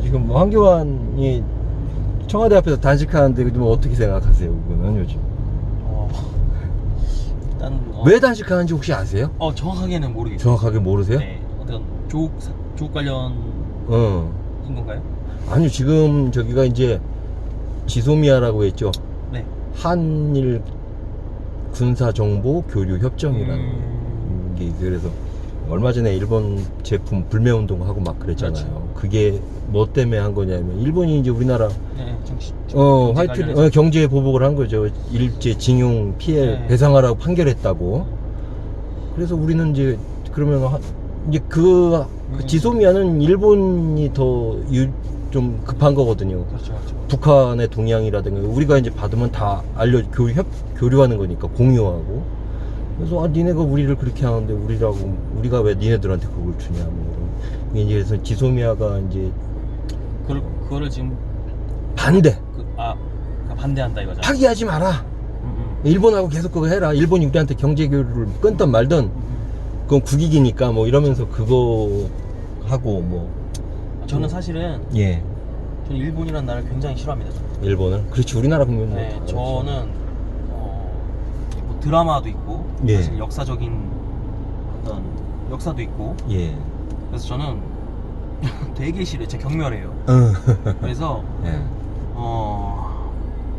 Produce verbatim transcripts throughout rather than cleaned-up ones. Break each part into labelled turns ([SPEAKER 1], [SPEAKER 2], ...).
[SPEAKER 1] 지금 뭐 황교안이 청와대 앞에서 단식하는데 뭐 어떻게 생각하세요? 그거는 요즘
[SPEAKER 2] 어, 일단 어,
[SPEAKER 1] 왜 단식하는지 혹시 아세요?
[SPEAKER 2] 어 정확하게는 모르겠어요.
[SPEAKER 1] 정확하게 모르세요?
[SPEAKER 2] 네, 어떤 조국 사- 조국 관련인
[SPEAKER 1] 어.
[SPEAKER 2] 건가요?
[SPEAKER 1] 아니요, 지금 저기가 이제 지소미아라고 했죠.
[SPEAKER 2] 네.
[SPEAKER 1] 한일 군사정보 교류 협정이라는
[SPEAKER 2] 음...
[SPEAKER 1] 게 있어요. 그래서 얼마 전에 일본 제품 불매운동하고 막 그랬잖아요.
[SPEAKER 2] 그렇죠.
[SPEAKER 1] 그게 뭐 때문에 한 거냐면 일본이 이제 우리나라
[SPEAKER 2] 네, 정치,
[SPEAKER 1] 어
[SPEAKER 2] 경제
[SPEAKER 1] 화이트
[SPEAKER 2] 관련해서.
[SPEAKER 1] 어, 경제 보복을 한 거죠. 일제 징용 피해
[SPEAKER 2] 네.
[SPEAKER 1] 배상하라고 판결했다고. 그래서 우리는 이제 그러면 하, 이제 그, 그
[SPEAKER 2] 음.
[SPEAKER 1] 지소미아는 일본이 더 좀 급한 거거든요.
[SPEAKER 2] 그렇죠, 그렇죠.
[SPEAKER 1] 북한의 동향이라든가 우리가 이제 받으면 다 알려 교류 협 교류하는 거니까 공유하고. 그래서 아 니네가 우리를 그렇게 하는데 우리라고 우리가 왜 니네들한테 그걸 주냐 뭐 이런. 이제 그래서 지소미아가 이제
[SPEAKER 2] 그걸 그거를 지금
[SPEAKER 1] 반대
[SPEAKER 2] 그, 아 그러니까 반대한다 이거죠.
[SPEAKER 1] 파기하지 마라.
[SPEAKER 2] 음, 음.
[SPEAKER 1] 일본하고 계속 그거 해라. 일본이 우리한테 경제 교류를 끊든 말든
[SPEAKER 2] 음, 음.
[SPEAKER 1] 그건 국익이니까 뭐 이러면서 그거 하고 뭐.
[SPEAKER 2] 저는 사실은
[SPEAKER 1] 예.
[SPEAKER 2] 저는 일본이라는 나라를 굉장히 싫어합니다. 저는.
[SPEAKER 1] 일본을 그렇지 우리나라 국민 뭐
[SPEAKER 2] 네,
[SPEAKER 1] 다
[SPEAKER 2] 저는 어, 뭐 드라마도 있고
[SPEAKER 1] 예.
[SPEAKER 2] 사실 역사적인 어떤 역사도 있고
[SPEAKER 1] 그렇지. 예.
[SPEAKER 2] 그래서 저는 되게 싫어요. 제 경멸해요.
[SPEAKER 1] 어.
[SPEAKER 2] 그래서
[SPEAKER 1] 예.
[SPEAKER 2] 어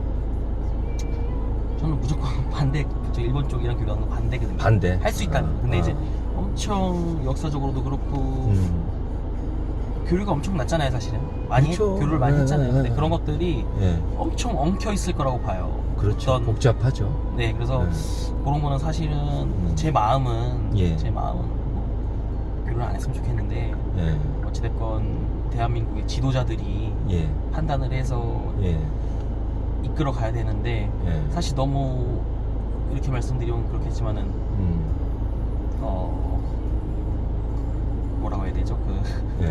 [SPEAKER 2] 저는 무조건 반대. 저 일본 쪽이랑 교류하는 거 반대거든요.
[SPEAKER 1] 반대.
[SPEAKER 2] 할 수 있다면.
[SPEAKER 1] 아,
[SPEAKER 2] 근데
[SPEAKER 1] 아.
[SPEAKER 2] 이제 엄청 역사적으로도 그렇고
[SPEAKER 1] 음.
[SPEAKER 2] 교류가 엄청 낮잖아요, 사실은. 많이
[SPEAKER 1] 그렇죠.
[SPEAKER 2] 교류를 많이
[SPEAKER 1] 네,
[SPEAKER 2] 했잖아요.
[SPEAKER 1] 네,
[SPEAKER 2] 근데
[SPEAKER 1] 네.
[SPEAKER 2] 그런 것들이
[SPEAKER 1] 예.
[SPEAKER 2] 엄청 엉켜 있을 거라고 봐요.
[SPEAKER 1] 그렇죠.
[SPEAKER 2] 어떤-
[SPEAKER 1] 복잡하죠.
[SPEAKER 2] 네, 그래서
[SPEAKER 1] 네.
[SPEAKER 2] 그런 거는 사실은
[SPEAKER 1] 음.
[SPEAKER 2] 제 마음은
[SPEAKER 1] 예.
[SPEAKER 2] 제 마음은 뭐 교류를 안 했으면 좋겠는데
[SPEAKER 1] 예.
[SPEAKER 2] 어찌됐건 대한민국의 지도자들이
[SPEAKER 1] 예.
[SPEAKER 2] 판단을 해서
[SPEAKER 1] 예.
[SPEAKER 2] 이끌어 가야 되는데
[SPEAKER 1] 예.
[SPEAKER 2] 사실 너무 이렇게 말씀드리면 그렇겠지만은
[SPEAKER 1] 음.
[SPEAKER 2] 어 뭐라고 해야 되죠? 그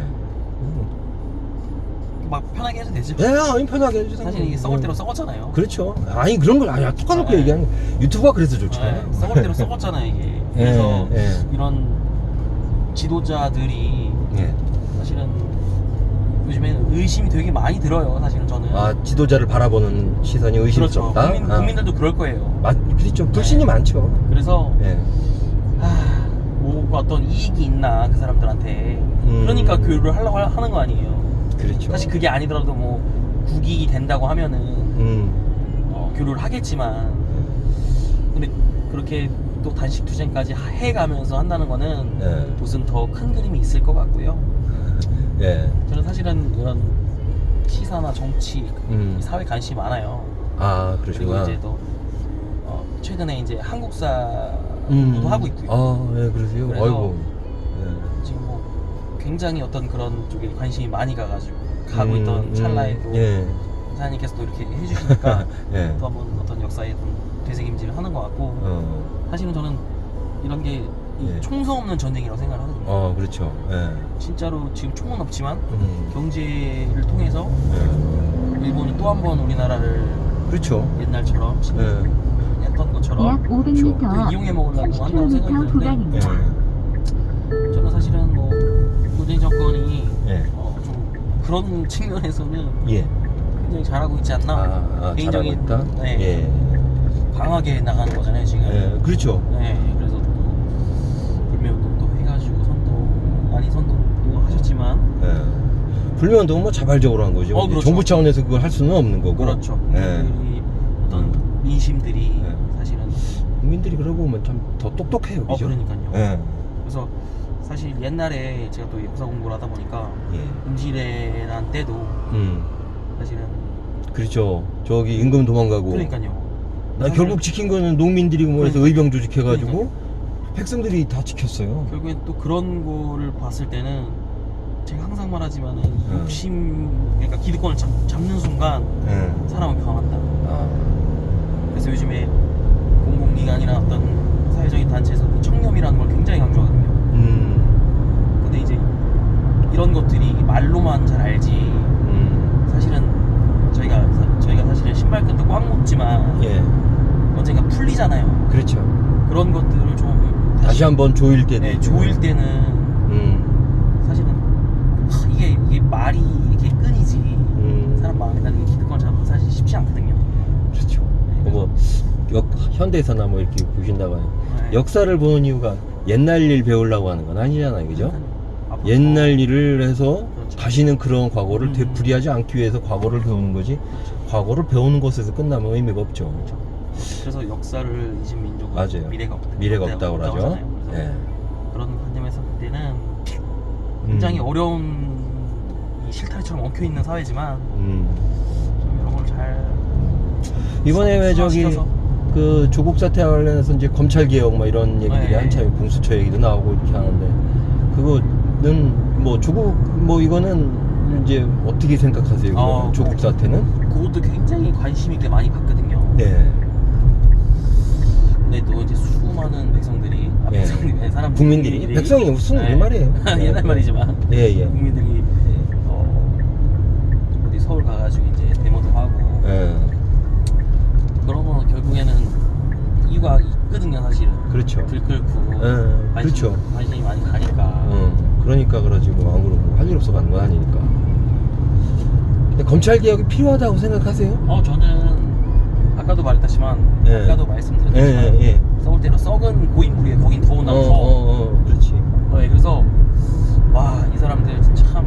[SPEAKER 2] 막
[SPEAKER 1] 예.
[SPEAKER 2] 편하게 해도 되죠.
[SPEAKER 1] 예, 아니 편하게 해주세요.
[SPEAKER 2] 사실 이게 썩을 대로
[SPEAKER 1] 음.
[SPEAKER 2] 썩었잖아요.
[SPEAKER 1] 그렇죠. 아니 그런 걸 아니야 똑같놓고
[SPEAKER 2] 네.
[SPEAKER 1] 얘기하는 거. 유튜브가 그래서 좋잖아요.
[SPEAKER 2] 네, 썩을 대로 썩었잖아요 이게. 그래서
[SPEAKER 1] 예, 예.
[SPEAKER 2] 이런 지도자들이
[SPEAKER 1] 예.
[SPEAKER 2] 사실은 요즘에는 의심이 되게 많이 들어요. 사실은 저는.
[SPEAKER 1] 아 지도자를 바라보는 시선이
[SPEAKER 2] 그렇죠.
[SPEAKER 1] 의심스럽다.
[SPEAKER 2] 국민,
[SPEAKER 1] 아.
[SPEAKER 2] 국민들도 그럴 거예요.
[SPEAKER 1] 맞, 그렇죠. 불신이
[SPEAKER 2] 네.
[SPEAKER 1] 많죠.
[SPEAKER 2] 그래서
[SPEAKER 1] 예.
[SPEAKER 2] 하, 뭐 어떤 이익이 있나 그 사람들한테.
[SPEAKER 1] 음.
[SPEAKER 2] 그러니까 교류를 하려고 하- 하는 거 아니에요.
[SPEAKER 1] 그렇죠.
[SPEAKER 2] 사실 그게 아니더라도 뭐 국익이 된다고 하면은
[SPEAKER 1] 음.
[SPEAKER 2] 어, 교류를 하겠지만 근데 그렇게 또 단식 투쟁까지 하- 해가면서 한다는 거는
[SPEAKER 1] 예.
[SPEAKER 2] 무슨 더 큰 그림이 있을 것 같고요.
[SPEAKER 1] 예.
[SPEAKER 2] 저는 사실은 이런 시사나 정치,
[SPEAKER 1] 음.
[SPEAKER 2] 사회 관심이 많아요.
[SPEAKER 1] 아
[SPEAKER 2] 그리고
[SPEAKER 1] 그러시구나.
[SPEAKER 2] 이제 또 어, 최근에 이제 한국사도
[SPEAKER 1] 음.
[SPEAKER 2] 하고 있고요.
[SPEAKER 1] 아, 예, 그러세요.
[SPEAKER 2] 그래서
[SPEAKER 1] 아이고.
[SPEAKER 2] 지금 뭐 굉장히 어떤 그런 쪽에 관심이 많이 가가지고 가고
[SPEAKER 1] 음,
[SPEAKER 2] 있던
[SPEAKER 1] 음,
[SPEAKER 2] 찰나에도
[SPEAKER 1] 예.
[SPEAKER 2] 사장님께서도 이렇게 해주시니까
[SPEAKER 1] 예.
[SPEAKER 2] 또 한번 어떤 역사에 좀 되새김질을 하는 것 같고
[SPEAKER 1] 어.
[SPEAKER 2] 사실은 저는 이런 게 이
[SPEAKER 1] 예.
[SPEAKER 2] 총성 없는 전쟁이라고 생각을 하거든요.
[SPEAKER 1] 어, 그렇죠. 예.
[SPEAKER 2] 진짜로 지금 총은 없지만
[SPEAKER 1] 음.
[SPEAKER 2] 경제를 통해서
[SPEAKER 1] 예.
[SPEAKER 2] 일본이 또 한 번 우리나라를
[SPEAKER 1] 그렇죠.
[SPEAKER 2] 옛날처럼
[SPEAKER 1] 예.
[SPEAKER 2] 했던 것처럼
[SPEAKER 3] 약 오백 미터
[SPEAKER 2] 또 이용해 먹으려고
[SPEAKER 3] 삼십
[SPEAKER 2] 한다고 생각이
[SPEAKER 3] 킬로미터
[SPEAKER 2] 드는데
[SPEAKER 1] 예.
[SPEAKER 3] 구간입니다.
[SPEAKER 2] 저는 사실은 뭐 문재인 정권이
[SPEAKER 1] 예.
[SPEAKER 2] 어, 좀 그런 측면에서는
[SPEAKER 1] 예.
[SPEAKER 2] 굉장히 잘하고 있지 않나.
[SPEAKER 1] 아, 아 잘하고 있다.
[SPEAKER 2] 네,
[SPEAKER 1] 예.
[SPEAKER 2] 강하게 나가는 거잖아요 지금.
[SPEAKER 1] 예. 그렇죠.
[SPEAKER 2] 네, 그래서 또 불매운동도 해가지고 선도 아니 선도도 하셨지만
[SPEAKER 1] 예. 불매운동은 뭐 자발적으로 한 거죠.
[SPEAKER 2] 어, 그렇죠.
[SPEAKER 1] 정부 차원에서 그걸 할 수는 없는 거고.
[SPEAKER 2] 그렇죠.
[SPEAKER 1] 예.
[SPEAKER 2] 국민들이 어떤 민심들이
[SPEAKER 1] 네.
[SPEAKER 2] 사실은
[SPEAKER 1] 국민들이 그러고 보면 참 더 똑똑해요.
[SPEAKER 2] 어
[SPEAKER 1] 그죠?
[SPEAKER 2] 그러니까요.
[SPEAKER 1] 예.
[SPEAKER 2] 그래서 사실 옛날에 제가 또 역사 공부를 하다 보니까
[SPEAKER 1] 예.
[SPEAKER 2] 임시례란 때도
[SPEAKER 1] 음.
[SPEAKER 2] 사실은
[SPEAKER 1] 그렇죠. 저기 임금 도망가고.
[SPEAKER 2] 그러니까요.
[SPEAKER 1] 나 결국 지킨 거는 농민들이 뭐 해서
[SPEAKER 2] 그러니까.
[SPEAKER 1] 의병 조직해가지고
[SPEAKER 2] 그러니까요.
[SPEAKER 1] 백성들이 다 지켰어요.
[SPEAKER 2] 결국엔 또 그런 거를 봤을 때는 제가 항상 말하지만은
[SPEAKER 1] 네.
[SPEAKER 2] 욕심 그러니까 기득권을 잡, 잡는 순간
[SPEAKER 1] 예.
[SPEAKER 2] 사람은 변한다.
[SPEAKER 1] 아.
[SPEAKER 2] 그래서 요즘에 공공기관이나 어떤 사회적인 단체에서 청렴이라는 걸 굉장히 강조하거든요.
[SPEAKER 1] 음.
[SPEAKER 2] 근데 이제 이런 것들이 말로만 잘 알지
[SPEAKER 1] 음.
[SPEAKER 2] 사실은 저희가 사, 저희가 사실은 신발끈도 꽉 묶지만
[SPEAKER 1] 예.
[SPEAKER 2] 언젠가 풀리잖아요.
[SPEAKER 1] 그렇죠.
[SPEAKER 2] 그런 것들을 좀
[SPEAKER 1] 다시 한번 조일 때도
[SPEAKER 2] 네,
[SPEAKER 1] 있고.
[SPEAKER 2] 조일 때는
[SPEAKER 1] 음.
[SPEAKER 2] 사실은 하, 이게 이게 말이 이렇게 끈이 쉽지 않거든요.
[SPEAKER 1] 그렇죠.
[SPEAKER 2] 네,
[SPEAKER 1] 뭐 역, 현대에서나 뭐 이렇게 보신다고
[SPEAKER 2] 네.
[SPEAKER 1] 역사를 보는 이유가 옛날 일 배우려고 하는 건 아니잖아요, 그죠?
[SPEAKER 2] 앞으로
[SPEAKER 1] 옛날 일을 해서
[SPEAKER 2] 그렇죠.
[SPEAKER 1] 다시는 그런 과거를
[SPEAKER 2] 음.
[SPEAKER 1] 되풀이하지 않기 위해서 과거를 배우는 거지. 과거를 배우는 것에서 끝나면 의미가 없죠.
[SPEAKER 2] 그래서 역사를 잊은 민족은
[SPEAKER 1] 맞아요.
[SPEAKER 2] 미래가 없다.
[SPEAKER 1] 미래가 없다고 그러죠.
[SPEAKER 2] 하잖아요. 그래서
[SPEAKER 1] 예.
[SPEAKER 2] 그런 관점에서 볼 때는 굉장히
[SPEAKER 1] 음.
[SPEAKER 2] 어려운 이 실타래처럼 엉켜 있는 사회지만
[SPEAKER 1] 음.
[SPEAKER 2] 좀 이런 걸 잘
[SPEAKER 1] 이번에 왜 저기
[SPEAKER 2] 순화시켜서.
[SPEAKER 1] 그 조국 사태 관련해서 이제 검찰 개혁 뭐 이런 얘기들이
[SPEAKER 2] 네.
[SPEAKER 1] 한참 공수처 얘기도 나오고 이렇게 하는데 그거는 뭐 조국 뭐 이거는 이제 어떻게 생각하세요?
[SPEAKER 2] 어,
[SPEAKER 1] 조국 사태는?
[SPEAKER 2] 그것도 굉장히 관심 있게 많이 봤거든요.
[SPEAKER 1] 네.
[SPEAKER 2] 근데 또 이제 수많은 백성들이 아,
[SPEAKER 1] 예.
[SPEAKER 2] 백성들이 사람
[SPEAKER 1] 국민들이 백성이 무슨 우리 말이에요.
[SPEAKER 2] 옛날 말이지만
[SPEAKER 1] 예, 예.
[SPEAKER 2] 국민들이 어, 어디 서울 가가지고 이제 데모도 하고
[SPEAKER 1] 예.
[SPEAKER 2] 그러면 결국에는 이유가 있거든요, 사실은.
[SPEAKER 1] 그렇죠.
[SPEAKER 2] 불 끓고
[SPEAKER 1] 예,
[SPEAKER 2] 관심,
[SPEAKER 1] 그렇죠.
[SPEAKER 2] 관심이 많이 가니까.
[SPEAKER 1] 어, 그러니까 그러지 뭐 안 그러고 할 일 없어 가는 건 아니니까. 근데 검찰 개혁이 필요하다고 생각하세요?
[SPEAKER 2] 어 저는 아까도 말했다시만
[SPEAKER 1] 예.
[SPEAKER 2] 아까도
[SPEAKER 1] 예,
[SPEAKER 2] 말씀드렸지만
[SPEAKER 1] 예, 예.
[SPEAKER 2] 썩을 때는 썩은 고인물이에 거긴
[SPEAKER 1] 어,
[SPEAKER 2] 더군다나
[SPEAKER 1] 어,
[SPEAKER 2] 더.
[SPEAKER 1] 어, 그렇지.
[SPEAKER 2] 어, 예, 그래서 와 이 사람들 참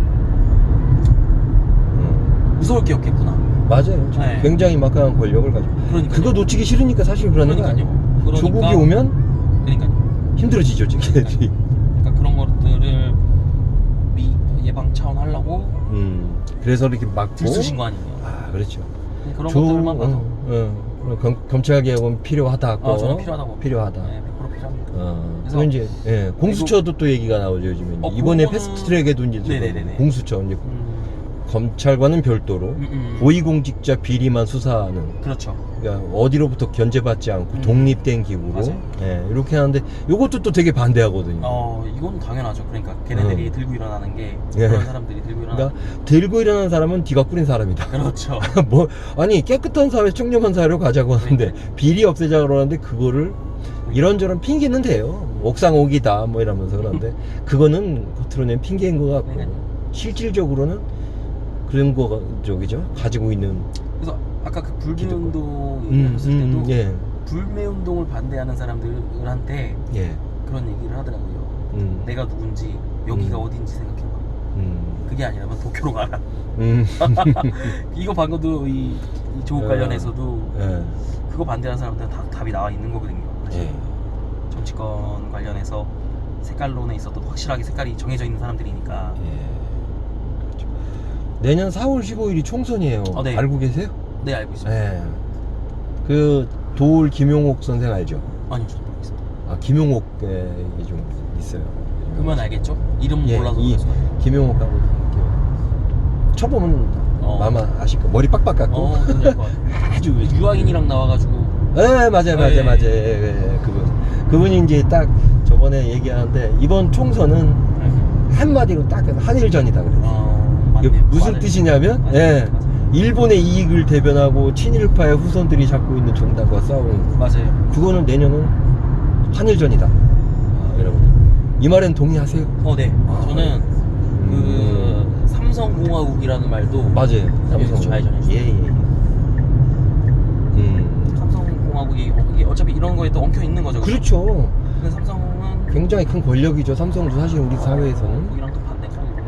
[SPEAKER 1] 음.
[SPEAKER 2] 무서울 게 없겠구나.
[SPEAKER 1] 맞아요.
[SPEAKER 2] 네.
[SPEAKER 1] 굉장히 막강한 권력을 가지고.
[SPEAKER 2] 그러니까
[SPEAKER 1] 그거 놓치기 싫으니까 사실 그러는 거 아니에요.
[SPEAKER 2] 그러니까요.
[SPEAKER 1] 조국이 오면
[SPEAKER 2] 그러니까
[SPEAKER 1] 힘들어지죠, 지금.
[SPEAKER 2] 그러니까 그런 것들을 미, 예방 차원 하려고
[SPEAKER 1] 음. 그래서 이렇게 막고.
[SPEAKER 2] 들쑤신 거 아니에요.
[SPEAKER 1] 아, 그렇죠.
[SPEAKER 2] 그런
[SPEAKER 1] 조-
[SPEAKER 2] 것들만 봐도
[SPEAKER 1] 어, 어. 검, 검찰 개혁은 필요하다고.
[SPEAKER 2] 아, 저는 필요하다고
[SPEAKER 1] 필요하다.
[SPEAKER 2] 네, 백 퍼센트 필요합니다.
[SPEAKER 1] 어,
[SPEAKER 2] 그래서
[SPEAKER 1] 그래서 이제 예, 공수처도 또 얘기가 나오죠 요즘에.
[SPEAKER 2] 어,
[SPEAKER 1] 이번에
[SPEAKER 2] 그거는-
[SPEAKER 1] 패스트트랙에도 이제
[SPEAKER 2] 네네네네.
[SPEAKER 1] 공수처 이제
[SPEAKER 2] 음,
[SPEAKER 1] 검찰과는 별도로
[SPEAKER 2] 음, 음.
[SPEAKER 1] 고위공직자 비리만 수사하는.
[SPEAKER 2] 그렇죠.
[SPEAKER 1] 그러니까 어디로부터 견제받지 않고
[SPEAKER 2] 음.
[SPEAKER 1] 독립된 기구로
[SPEAKER 2] 맞아요.
[SPEAKER 1] 예, 이렇게 하는데 이것도 또 되게 반대하거든요.
[SPEAKER 2] 어 이건 당연하죠. 그러니까 걔네들이
[SPEAKER 1] 어.
[SPEAKER 2] 들고 일어나는 게
[SPEAKER 1] 예.
[SPEAKER 2] 그런 사람들이 들고 일어나는
[SPEAKER 1] 그러니까 들고 일어나는 사람은 네가 꾸린 사람이다.
[SPEAKER 2] 게 그렇죠.
[SPEAKER 1] 뭐 아니 깨끗한 사회, 청렴한 사회로 가자고 하는데
[SPEAKER 2] 그러니까요.
[SPEAKER 1] 비리 없애자 그러는데 그거를 이런저런 핑계는 돼요. 옥상 옥이다 뭐 이러면서 그런데 그거는 겉으로 낸 핑계인 것 같고
[SPEAKER 2] 네네.
[SPEAKER 1] 실질적으로는 그런 거 저기죠 가지고 있는
[SPEAKER 2] 그래서 아까 그 불매
[SPEAKER 1] 기득권.
[SPEAKER 2] 운동
[SPEAKER 1] 음,
[SPEAKER 2] 얘기하셨을 때도
[SPEAKER 1] 음, 예,
[SPEAKER 2] 불매 운동을 반대하는 사람들한테
[SPEAKER 1] 예,
[SPEAKER 2] 그런 얘기를 하더라고요.
[SPEAKER 1] 음,
[SPEAKER 2] 내가 누군지 여기가
[SPEAKER 1] 음.
[SPEAKER 2] 어딘지 생각해봐.
[SPEAKER 1] 음,
[SPEAKER 2] 그게 아니라면 도쿄로 가라.
[SPEAKER 1] 음,
[SPEAKER 2] 이거 방금도 이, 이 조국
[SPEAKER 1] 예.
[SPEAKER 2] 관련해서도
[SPEAKER 1] 예,
[SPEAKER 2] 그거 반대하는 사람들은 다 답이 나와 있는 거거든요. 사실.
[SPEAKER 1] 예,
[SPEAKER 2] 정치권 관련해서 색깔론에 있어도 확실하게 색깔이 정해져 있는 사람들이니까.
[SPEAKER 1] 예. 그렇죠. 내년 사월 십오일이 총선이에요.
[SPEAKER 2] 어, 네.
[SPEAKER 1] 알고 계세요?
[SPEAKER 2] 네 알고 있습니다.
[SPEAKER 1] 예. 그 도울 김용옥 선생 알죠?
[SPEAKER 2] 아니요 저도 모르겠습니다.
[SPEAKER 1] 아 김용옥에 이게 좀 있어요.
[SPEAKER 2] 그러면 알겠죠? 이름
[SPEAKER 1] 예,
[SPEAKER 2] 몰라서
[SPEAKER 1] 이
[SPEAKER 2] 그럴 거예요.
[SPEAKER 1] 김용옥하고 이렇게 쳐보면
[SPEAKER 2] 어.
[SPEAKER 1] 아마 아실 거 머리 빡빡 깎고
[SPEAKER 2] 어, 뭔지 알것 같아요.
[SPEAKER 1] 아주
[SPEAKER 2] 유아인이랑 나와가지고
[SPEAKER 1] 예 맞아요 맞아요
[SPEAKER 2] 예, 예.
[SPEAKER 1] 맞아요 예, 예, 그분 그분이 이제 딱 저번에 얘기하는데 이번 총선은 한마디로 딱 해서 한일전이다 그래요.
[SPEAKER 2] 어,
[SPEAKER 1] 이게
[SPEAKER 2] 맞네요.
[SPEAKER 1] 무슨
[SPEAKER 2] 맞아요.
[SPEAKER 1] 뜻이냐면
[SPEAKER 2] 맞아요.
[SPEAKER 1] 예
[SPEAKER 2] 맞아요.
[SPEAKER 1] 일본의 이익을 대변하고 친일파의 후손들이 잡고 있는 정당과 싸우는
[SPEAKER 2] 맞아요.
[SPEAKER 1] 그거는 내년은 한일전이다. 아, 여러분 이 말엔 동의하세요?
[SPEAKER 2] 어, 네.
[SPEAKER 1] 아,
[SPEAKER 2] 저는
[SPEAKER 1] 음.
[SPEAKER 2] 그 삼성공화국이라는 말도
[SPEAKER 1] 맞아요.
[SPEAKER 2] 삼성 좌회전했어요.
[SPEAKER 1] 예예. 음.
[SPEAKER 2] 삼성공화국이 어, 이게 어차피 이런 거에 또 엉켜 있는 거죠.
[SPEAKER 1] 그렇죠.
[SPEAKER 2] 근데 삼성은
[SPEAKER 1] 굉장히 큰 권력이죠. 삼성도 사실 우리 사회에서는.
[SPEAKER 2] 거기랑 또 반대죠. 이거는.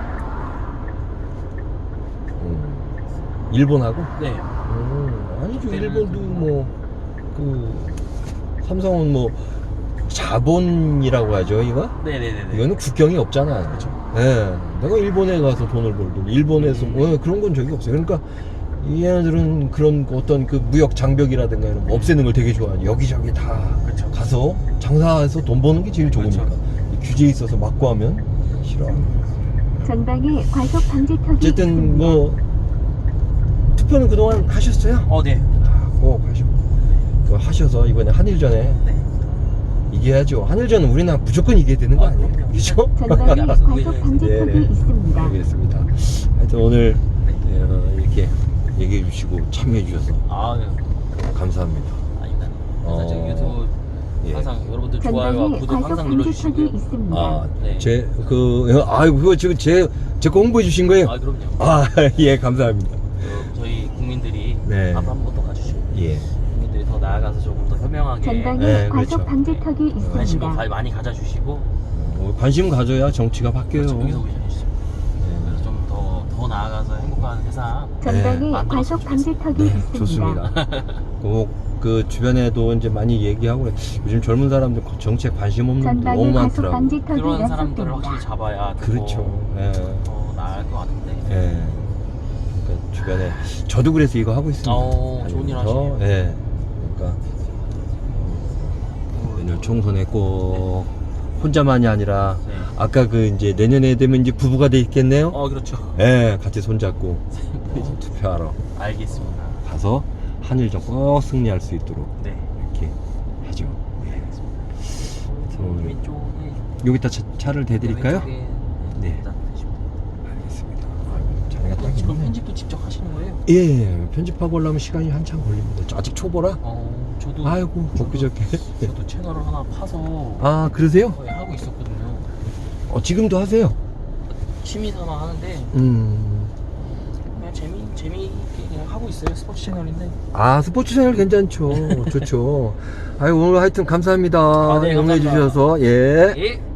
[SPEAKER 1] 음. 일본하고?
[SPEAKER 2] 네.
[SPEAKER 1] 음, 아니죠.
[SPEAKER 2] 그때는
[SPEAKER 1] 일본도 뭐, 그, 삼성은 뭐, 자본이라고 하죠, 이거?
[SPEAKER 2] 네네네네.
[SPEAKER 1] 이거는 국경이 없잖아요.
[SPEAKER 2] 그렇죠.
[SPEAKER 1] 예. 내가 일본에 가서 돈을 벌든, 일본에서,
[SPEAKER 2] 음.
[SPEAKER 1] 뭐, 그런 건 적이 없어요. 그러니까, 얘네들은 그런 어떤 그 무역 장벽이라든가 이런 거 없애는 걸 되게 좋아하죠. 여기저기 다
[SPEAKER 2] 그렇죠.
[SPEAKER 1] 가서 장사해서 돈 버는 게 제일 좋으니까.
[SPEAKER 2] 그렇죠.
[SPEAKER 1] 이 규제에 있어서 막고 하면 싫어합니다.
[SPEAKER 4] 전방에 과속 방지턱이
[SPEAKER 1] 어쨌든
[SPEAKER 4] 있습니다.
[SPEAKER 1] 뭐 투표는 그동안 하셨어요?
[SPEAKER 2] 어, 네.
[SPEAKER 1] 아, 꼭 하시고 그거 하셔서 이번에 한일전에
[SPEAKER 2] 네.
[SPEAKER 1] 이겨야죠. 한일전은 우리나라 무조건 이겨야 되는 거
[SPEAKER 2] 아,
[SPEAKER 1] 아니에요?
[SPEAKER 2] 그럼요.
[SPEAKER 1] 그죠?
[SPEAKER 4] 전방에
[SPEAKER 2] 알아서
[SPEAKER 4] 과속
[SPEAKER 2] 우회전해서.
[SPEAKER 4] 방지턱이
[SPEAKER 1] 네네.
[SPEAKER 4] 있습니다.
[SPEAKER 1] 알겠습니다. 하여튼 오늘 어, 이렇게 얘기해 주시고 참여해 주셔서
[SPEAKER 2] 아, 네.
[SPEAKER 1] 감사합니다.
[SPEAKER 2] 아닙니다. 그래서
[SPEAKER 1] 어,
[SPEAKER 2] 저 유튜브
[SPEAKER 1] 예.
[SPEAKER 2] 항상 여러분들 좋아요와
[SPEAKER 4] 전방에
[SPEAKER 2] 구독
[SPEAKER 4] 과속
[SPEAKER 2] 항상
[SPEAKER 4] 방지턱이
[SPEAKER 2] 눌러주시고요.
[SPEAKER 4] 있습니다.
[SPEAKER 1] 아,
[SPEAKER 2] 네.
[SPEAKER 1] 제 그 아유 그거 지금 제제거 홍보해 주신 거예요?
[SPEAKER 2] 아, 그럼요.
[SPEAKER 1] 아, 예, 감사합니다.
[SPEAKER 2] 어, 저희 국민들이
[SPEAKER 1] 네.
[SPEAKER 2] 앞으로 한 번 더 가주시고
[SPEAKER 1] 예.
[SPEAKER 2] 국민들이 더 나아가서 조금 더 현명하게
[SPEAKER 4] 전방에
[SPEAKER 1] 네,
[SPEAKER 4] 과속
[SPEAKER 1] 그렇죠.
[SPEAKER 4] 방지턱이
[SPEAKER 2] 관심도
[SPEAKER 4] 있습니다.
[SPEAKER 2] 가- 많이 가져주시고
[SPEAKER 1] 어, 관심 가져야 정치가 바뀌어요.
[SPEAKER 2] 그렇죠. 여기서 해주시고 그래서 좀 더 더 나아가서 행복한 세상
[SPEAKER 4] 전방에
[SPEAKER 1] 네.
[SPEAKER 2] 만들었으면
[SPEAKER 4] 과속 방지턱이
[SPEAKER 1] 네,
[SPEAKER 4] 있습니다.
[SPEAKER 1] 좋습니다. 꼭 그 주변에도 이제 많이 얘기하고 그래. 요즘 젊은 사람들 정치에 관심 없는 분들 너무
[SPEAKER 4] 전방에 과속
[SPEAKER 1] 많더라고.
[SPEAKER 4] 방지턱이
[SPEAKER 2] 그런 사람들을
[SPEAKER 4] 연속됩니다.
[SPEAKER 2] 확실히 잡아야
[SPEAKER 1] 그렇죠. 예.
[SPEAKER 2] 더 나을 것 같은데.
[SPEAKER 1] 예. 그러니까 주변에 저도 그래서 이거 하고 있습니다.
[SPEAKER 2] 어, 좋은 일
[SPEAKER 1] 다니면서.
[SPEAKER 2] 하시네요.
[SPEAKER 1] 예. 그러니까 내년 총선에 꼭 혼자만이 아니라
[SPEAKER 2] 네.
[SPEAKER 1] 아까 그 이제 내년에 되면 이제 부부가 돼 있겠네요.
[SPEAKER 2] 어 그렇죠.
[SPEAKER 1] 예, 같이 손잡고 어, 투표하러
[SPEAKER 2] 알겠습니다.
[SPEAKER 1] 가서 한일전 꼭 승리할 수 있도록
[SPEAKER 2] 네.
[SPEAKER 1] 이렇게 하죠. 그래서 오늘
[SPEAKER 2] 왼쪽에
[SPEAKER 1] 여기다 차, 차를 대드릴까요?
[SPEAKER 2] 왼쪽에
[SPEAKER 1] 네.
[SPEAKER 2] 일단 드시고.
[SPEAKER 1] 알겠습니다. 아이고, 자네가 딱
[SPEAKER 2] 지금
[SPEAKER 1] 있네.
[SPEAKER 2] 편집도 직접 하시는 거예요?
[SPEAKER 1] 예, 편집하고 오려면 시간이 한참 걸립니다. 아직 초보라?
[SPEAKER 2] 어, 저도
[SPEAKER 1] 아이고, 엊그저께.
[SPEAKER 2] 저도 채널을 하나 파서
[SPEAKER 1] 아, 그러세요?
[SPEAKER 2] 거의 하고 있었거든요.
[SPEAKER 1] 어, 지금도 하세요?
[SPEAKER 2] 취미 삼아 하는데
[SPEAKER 1] 음.
[SPEAKER 2] 그냥 재미 재미있게 그냥 하고 있어요. 스포츠 채널인데.
[SPEAKER 1] 아, 스포츠 채널 괜찮죠. 좋죠. 아이고, 오늘 하여튼 감사합니다.
[SPEAKER 2] 아, 네,
[SPEAKER 1] 응해
[SPEAKER 2] 감사합니다.
[SPEAKER 1] 주셔서. 예.
[SPEAKER 2] 예.